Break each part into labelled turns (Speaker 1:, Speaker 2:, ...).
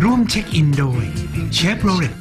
Speaker 1: ร่วมเช็คอินโดยเชฟโรเลต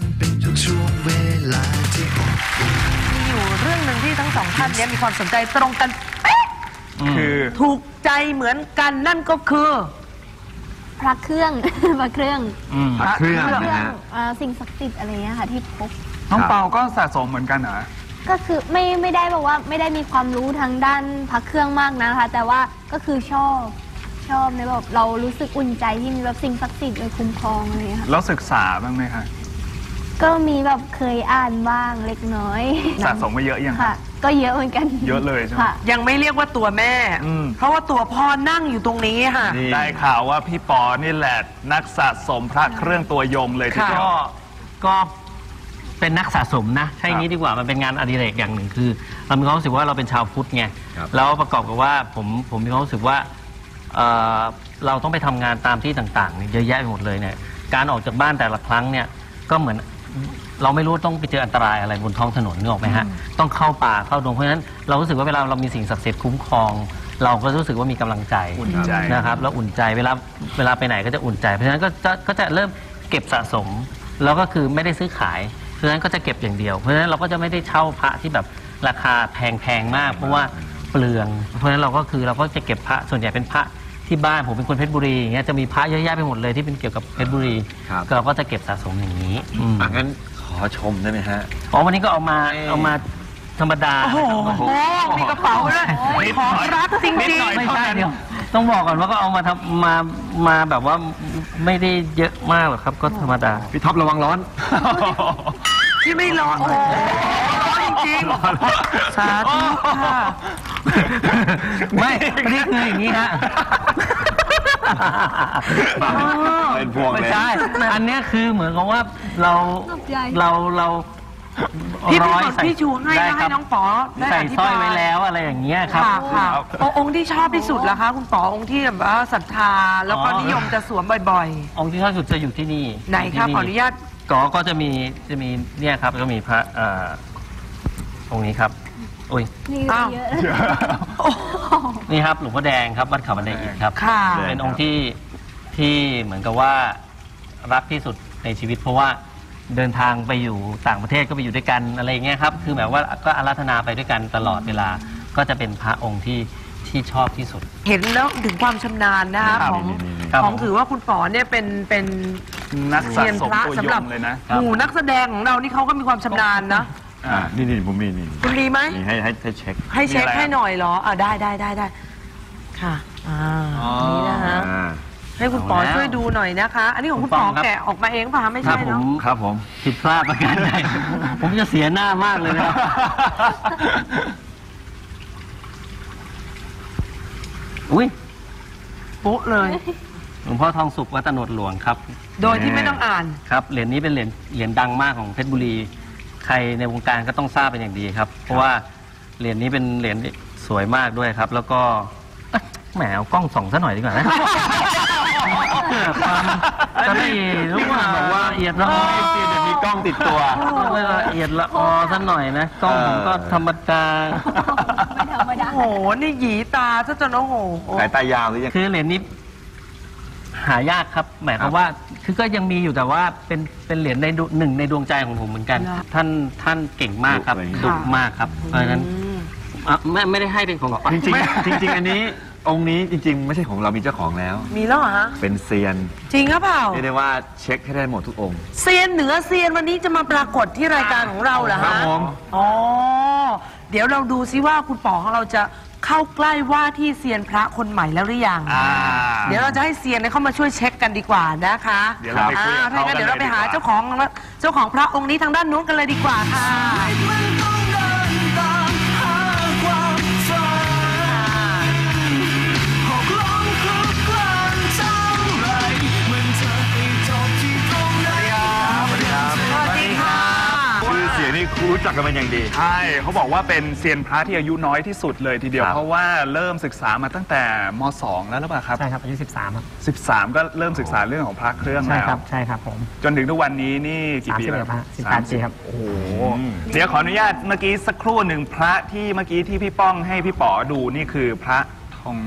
Speaker 2: มีอยู่เรื่องหนึ่งที่ทั้งสองท่านนี้มีความสนใจตรงกันเป๊ะ
Speaker 3: คือ
Speaker 2: ถูกใจเหมือนกันนั่นก็คือ
Speaker 4: พระเครื่อง พระเครื่อง
Speaker 3: พระเครื่องนะฮะ
Speaker 4: สิ่งศักดิ์สิทธิ์อะไรเงี้ยค่ะที่พบ
Speaker 3: น้องเปาก็สะสมเหมือนกันเหรอ
Speaker 4: ก็คือไม่ได้บอกว่าไม่ได้มีความรู้ทางด้านพระเครื่องมากนะคะแต่ว่าก็คือชอบในแบบเรารู้สึกอุ่นใจที่มีแบบสิ่งศักดิ์สิทธิ์เลยคุ้มครองอะไรค่ะ
Speaker 3: แล้วศึกษาบ้างไหมคะ
Speaker 4: ก็มีแบบเคยอ่านบ้างเล็กน้อย
Speaker 3: สะสมมาเยอะยัง
Speaker 4: ค่ะก็เยอะเหมือนกัน
Speaker 3: เยอะเลยใช่ไหม
Speaker 2: ยังไม่เรียกว่าตัวแม่เพราะว่าตัวพ่อนั่งอยู่ตรงนี้ค่ะ
Speaker 3: ได้ข่าวว่าพี่ปอนี่แหละนักสะสมพระเครื่องตัวยงเลยทีเดียว
Speaker 5: ก็เป็นนักสะสมนะใช่งี้ดีกว่ามันเป็นงานอดิเรกอย่างหนึ่งคือเรามีความรู้สึกว่าเราเป็นชาวพุทธไงแล้วประกอบกับว่าผมมีความรู้สึกว่าเราต้องไปทำงานตามที่ต่างๆเยอะแยะไปหมดเลยเนี่ยการออกจากบ้านแต่ละครั้งเนี่ยก็เหมือนเราไม่รู้ต้องไปเจออันตรายอะไรบนท้องถนนนึกออกไหมฮะต้องเข้าป่าเข้าดงเพราะฉะนั้นเรารู้สึกว่าเวลาเรามีสิ่งศักดิ์สิทธิ์คุ้มครองเราก็รู้สึกว่ามีกำลังใจนะครับแล้วอุ่นใจเวลาไปไหนก็จะอุ่นใจเพราะฉะนั้นก็จะเริ่มเก็บสะสมแล้วก็คือไม่ได้ซื้อขายเพราะฉะนั้นก็จะเก็บอย่างเดียวเพราะฉะนั้นเราก็จะไม่ได้เช่าพระที่แบบราคาแพงมากเพราะว่าเปลืองเพราะฉะนั้นเราก็จะเก็บพระส่วนใหญ่เป็นพระที่บ้านผมเป็นคนเพชรบุรีอย่างเงี้ยจะมีพระเยอะแยะไปหมดเลยที่เป็นเกี่ยวกับเพชรบุรีเราก็จะเก็บสะสมอย่างนี้
Speaker 6: งั้นขอชมได้ไหมฮะ
Speaker 5: วันนี้ก็เอามาธรรมดา
Speaker 2: โอ้โหมีกระเป๋าด้วยของรักจริงๆ
Speaker 5: ไม่ใช่เดียวต้องบอกก่อนว่าก็เอามาทำมาแบบว่าไม่ได้เยอะมากหรอกครับก็ธรรมดา
Speaker 6: พี่ท็อประวังร้อน
Speaker 2: ที่ไม่ร้อนโอ้จริงๆสาธุค่ะ
Speaker 5: ไม่นี่คืออย่างนี้ฮะ
Speaker 6: เป็นพวงเลย
Speaker 5: ไม่ใช่อันนี้คือเหมือนกับว่าเรา
Speaker 2: พี่ชูให้แล้วให้น้องป๋อ
Speaker 5: ใส่สร้อยไว้แล้วอะไรอย่างเงี้ยครับ
Speaker 2: องค์ที่ชอบที่สุดล่ะคะคุณป๋อองค์ที่แบบว่าศรัทธาแล้วก็นิยมจะสวมบ่อย
Speaker 5: ๆองค์ที่ชอบสุดจะอยู่ที่นี่
Speaker 2: ไหนครับขออนุญาต
Speaker 5: ก็จะมีเนี่ยครับก็มีพระองค์นี้ครับอุ้ย
Speaker 4: นี่เยอะ
Speaker 5: นี่ครับหลวงพ่อแดงครับวัดเขาบันไดอิฐครับเป็นองค์ที่เหมือนกับว่ารักที่สุดในชีวิตเพราะว่าเดินทางไปอยู่ต่างประเทศก็ไปอยู่ด้วยกันอะไรอย่างเงี้ยครับคือแบบว่าก็อาราธนาไปด้วยกันตลอดเวลาก็จะเป็นพระองค์ที่ชอบที่สุด
Speaker 2: เห็นแล้วถึงความชำนาญนะคะของถือว่าคุณป๋อเนี่ยเป็น
Speaker 3: นักสะสมตัวยงเลยนะ
Speaker 2: หมู่นักแสดงของเรานี่เขาก็มีความชำนาญนะ
Speaker 6: นี่ผมมี
Speaker 2: คุณดีไหม
Speaker 6: ให้เช็ค
Speaker 2: ให้หน่อยเหรอได้ค่ะนี่นะคะให้คุณป๋อช่วยดูหน่อยนะคะอันนี้ของคุณป๋อแกะออกมาเองป่ะไม่ใช่เนาะ
Speaker 5: ครับผมผิดพลาดประการใดผมจะเสียหน้ามากเลยนะอุ้ย
Speaker 2: โป๊ะเลย
Speaker 5: หลวงพ่อทองสุขวัดตโนดหลวงครับ
Speaker 2: โดยที่ไม่ต้องอ่าน
Speaker 5: ครับเหรียญนี้เป็นเหรียญดังมากของเพชรบุรีใครในวงการก็ต้องทราบเป็นอย่างดีครับเพราะว่าเหรียญนี้เป็นเหรียญสวยมากด้วยครับแล้วก็แหมเอากล้องส่องซะหน่อยดีกว่านะจะได้รู้ว่า
Speaker 6: บอกว่า
Speaker 5: ละเอียดละออ
Speaker 6: เดี๋ยวมีกล้องติดตัว
Speaker 5: ละเอียดละออซะหน่อยนะกล้องผมก็ธรรมดา
Speaker 2: โอ้โหนี่หยีตาซะจนโอ้โห
Speaker 6: สายตายาวหรือยัง
Speaker 5: คือเหรียญนี้หายากครับหมายความว่าคือก็ยังมีอยู่แต่ว่าเป็นเหรียญในหนึ่งในดวงใจของผมเหมือนกันท่านเก่งมากครับดุมากครับเพราะฉะนั้นไม่ได้ให้เป็นของ
Speaker 6: จริงอันนี้องค์นี้จริงๆไม่ใช่ของเรามีเจ้าของแล้ว
Speaker 2: มีแล้วเหรอฮะ
Speaker 6: เป็นเซียน
Speaker 2: จริงหรือเปล่า
Speaker 6: เรียกได้ว่าเช็คให้ได้หมดทุกองค์
Speaker 2: เซียนเหนือเซียนวันนี้จะมาปรากฏที่รายการของเราเหรอฮะอ๋อเดี๋ยวเราดูซิว่าคุณป๋อของเราจะเข้าใกล้ว่าที่เซียนพระคนใหม่แล้วหรือยังเดี๋ยวเราจะให้เซียนเข้ามาช่วยเช็คกันดีกว่านะคะ
Speaker 3: เดี๋ยวเราไปคุยกับเขากันเลย
Speaker 2: เดี๋ยวเราไปหาเจ้าของพระองค์นี้ทางด้านนู้นกันเลยดีกว่าค่ะ
Speaker 6: รู้จักกันเป็นอย่างดี
Speaker 3: ใช่เขาบอกว่าเป็นเซียนพระที่อายุน้อยที่สุดเลยทีเดียวเพราะว่าเริ่มศึกษามาตั้งแต่ม.2 แล้วหรือเปล่าครับ
Speaker 5: ใช่ครับอายุ13ครับ
Speaker 3: 13ก็เริ่มศึกษาเรื่องของพระเครื่องแล้ว
Speaker 5: ใช่ครับผม
Speaker 3: จนถึงทุกวันนี้นี่กี่ปีแล้ว
Speaker 5: 18 ปีครับ
Speaker 3: โอ้โหเดี๋ยวขออนุญาตเมื่อกี้สักครู่หนึ่งพระที่เมื่อกี้ที่พี่ป้องให้พี่ป๋อดูนี่คือพระทอง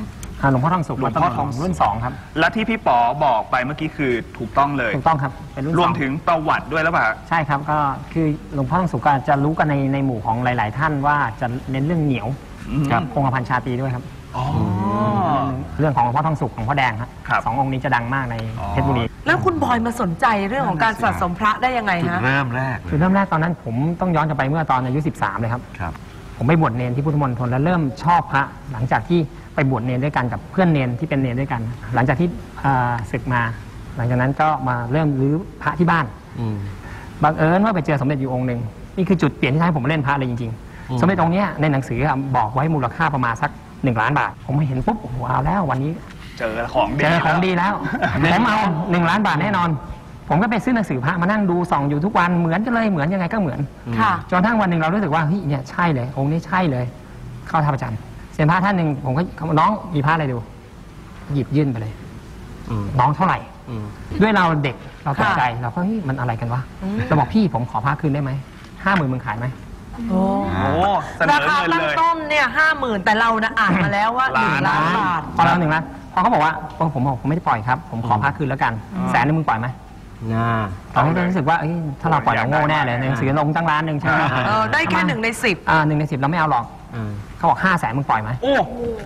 Speaker 7: หลวงพ่อทองสุข
Speaker 3: หลวงพ่อทองสุข
Speaker 7: รุ่น2ครับ
Speaker 3: และที่พี่ป๋อบอกไปเมื่อกี้คือถูกต้องเลย
Speaker 7: ถูกต้องครับเป็นรุ่น
Speaker 3: รวม
Speaker 7: 2
Speaker 3: ถึงประวัติด้วยแล้วเปล่า
Speaker 7: ใช่ครับก็คือหลวงพ่อทองสุขก็จะรู้กันในหมู่ของหลาย ๆ ท่านว่าจะเน้นเรื่องเหนียว
Speaker 3: ครับ
Speaker 7: คงกระพันชาตรีด้วยครับ
Speaker 3: อ๋อ
Speaker 7: เรื่องของหลวงพ่อทองสุขของพ่อแดงครับ
Speaker 3: ครับ
Speaker 7: สององค์นี้จะดังมากใน
Speaker 3: อ๋อ
Speaker 7: เพชรบุรี
Speaker 2: แล้วคุณบอยมาสนใจเรื่องของการสะสมพระได้ยังไง
Speaker 6: จุด
Speaker 2: ฮะ
Speaker 6: เริ่มแรกเล
Speaker 7: คือย เริ่มแรกตอนนั้นผมต้องย้อนกลับไปเมื่อตอนอายุ13เลยครับ
Speaker 6: ครับ
Speaker 7: ผมไปบวชเนรที่พุทธมณฑลแล้วเริ่มชอบพระหลังจากที่ไปบวชเนรด้วยกันกับเพื่อนเนรที่เป็นเนรด้วยกัน หลังจากที่ศึกมา หลังจากนั้นก็มาเริ่มรื้อพระที่บ้านบังเอิญว่าไปเจอสมเด็จอยู่องค์หนึ่งนี่คือจุดเปลี่ยนที่ทำให้ผมมาเล่นพระเลยจริงๆ สมเด็จองค์เนี้ยในหนังสือบอกไว้มูลค่าประมาณสัก1 ล้านบาท ผมเห็นปุ๊บโอ้โหเอาแล้ววันนี้
Speaker 3: เจอของดี
Speaker 7: เจอของดีแล้ว ผมเอา1 ล้านบาทแน่นอน ผมก็ไปซื้อหนังสือพระมานั่งดูส่องอยู่ทุกวันเหมือนกันเลยเหมือนยังไงก็เหมือน
Speaker 2: ค่ะ
Speaker 7: จนกระทั่งวันหนึ่งเรารู้สึกว่าเฮ้ยเนี่ยใช่เลยองค์นี้ใช่เลย เข้าท่าประจันทร์เซียนพระท่านหนึ่งผมก็น้องมีพระอะไรดู หยิบยื่นไปเลยน้องเท่าไหร่ ด้วยเราเด็กเราตกใจเราก็เฮ้ยมันอะไรกันวะเราบอกพี่ผมขอพระคืนได้ไหม50,000มึงขายไหม
Speaker 2: โอ้
Speaker 3: โอ้เสน
Speaker 2: รา
Speaker 3: อ
Speaker 2: คา
Speaker 3: เงิน
Speaker 2: ตั้ง
Speaker 3: เลย
Speaker 2: ต้นเนี่ย50,000แต่เรานะอ่านมาแล้วว่า1 ล้านบาท
Speaker 7: พอเรา1 ล้านพอเขาบอกว่าผมบอกผมไม่ได้ปล่อยครับผมขอพระคืนแล้วกัน100,000มึงปล่อยไหมตอนนั้นก็รู้สึกว่าเอ้ยถ้าเราปล่อยเราโง่แน่เลยในหนังสือลงตั้งล้านหนึ่งใช่ไหม
Speaker 2: ได้แค่1 ใน 10
Speaker 7: 1 ใน 10เราไม่เอาหรอกเขาบอก500,000มึงปล่อยไหม
Speaker 3: โอ้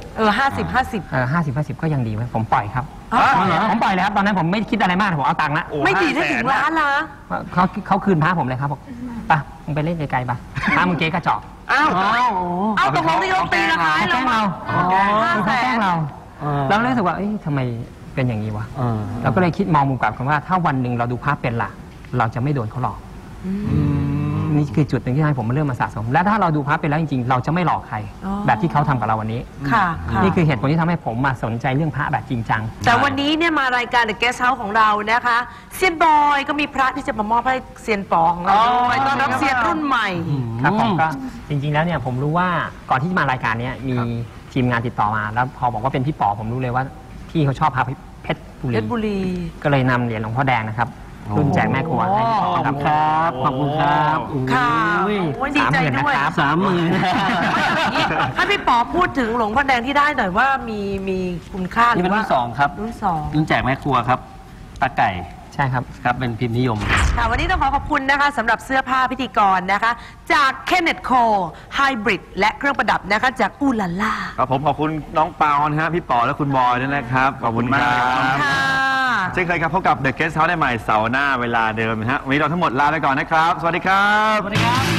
Speaker 2: 50
Speaker 7: 50 ก็ยังดีไหมผมปล่อยครับ
Speaker 2: อ๋อเหรอ
Speaker 7: ผมปล่อยเลยครับตอนนั้นผมไม่คิดอะไรมากผมเอาตังค์ละ
Speaker 3: โอ้
Speaker 2: ไม่ดีได้ถึง
Speaker 3: 500,000
Speaker 2: ล้านละ
Speaker 7: เขาคืนพระผมเลยครับบอกไปมึงไปเล่นไกลๆไปพระมึงเก๊กระจอก
Speaker 2: อ้าวเอาตกลงที่เขาตีราคาให้
Speaker 7: เขาแกล้งเรา
Speaker 2: 500,000
Speaker 7: เขาแกล้งเราเราเลยรู้สึกว่าเอ้ยทำไมเป็นอย่างนี้วะเราก็เลยคิดมองมุมกลับกันว่าถ้าวันหนึ่งเราดูภาพเป็นหลักเราจะไม่โดนเขาหลอกนี่คือจุดหนึ่งที่ทำให้ผมมาเริ่มมาสะสม และถ้าเราดูภาพเป็นแล้วจริงๆ เราจะไม่หลอกใคร แบบที่เขาทำกับเราวันนี้
Speaker 2: ค่ะค่ะ
Speaker 7: นี่คือเหตุผลที่ทำให้ผมมาสนใจเรื่องพระแบบจริงจัง
Speaker 2: แต่วันนี้เนี่ยมารายการ The Guest House ของเรานะคะเซียนบอยก็มีพระที่จะมามอบให้เซียนปอของเราด้วยต้อนรับเซียนรุ่นใหม่
Speaker 7: ครับผมก็จริงๆแล้วเนี่ยผมรู้ว่าก่อนที่จะมารายการเนี้ยมีทีมงานติดต่อมา แล้วพอบอกว่าเป็นพี่ป๋อผมรู้เลยว่าพี่เขาชอบพระเพชรบุ
Speaker 2: เพ
Speaker 7: รี
Speaker 2: ชรบุรี
Speaker 7: ก็เลยนำเหรียญหลวงพ่อแดงนะครับรุ่นแจกแม่ครัวให้พี่ป๋อครับ
Speaker 5: ขอบคุณครับ
Speaker 2: ค่ะโอ้ยดีใจด้วย
Speaker 5: 30,000
Speaker 2: ให้พี่ป๋อพูดถึงหลวงพ่อแดงที่ได้หน่อยว่ามีคุณค่าหรื
Speaker 5: นี่เป็น
Speaker 2: อ
Speaker 5: รุ่
Speaker 2: ว่าน
Speaker 5: สองครับ
Speaker 2: รุ่น
Speaker 5: รุ่นแจกแม่ครัวครับตาไก่
Speaker 7: ใช่ครับ
Speaker 5: ครับเป็นพิมพ์นิยม
Speaker 2: 2ค่ะวันนี้ต้องขอบคุณนะคะสำหรับเสื้อผ้าพิธีกรนะคะ จาก Kenneth Co Hybrid และเครื่องประดับนะคะจากอูลาล่า
Speaker 6: ครับผมขอบคุณน้องปาวนะฮะพี่ป๋อและคุณบอยด้วยนะครับ ขอบคุณครั
Speaker 2: ค่ะ
Speaker 6: บเช่นเคยครับพบกับ The Guest House ได้ใหม่เสาร์หน้าเวลาเดิมนะฮะวันนี้เราทั้งหมดลาไปก่อนนะครับ สวัสดีครับ
Speaker 5: สวัสดีครับ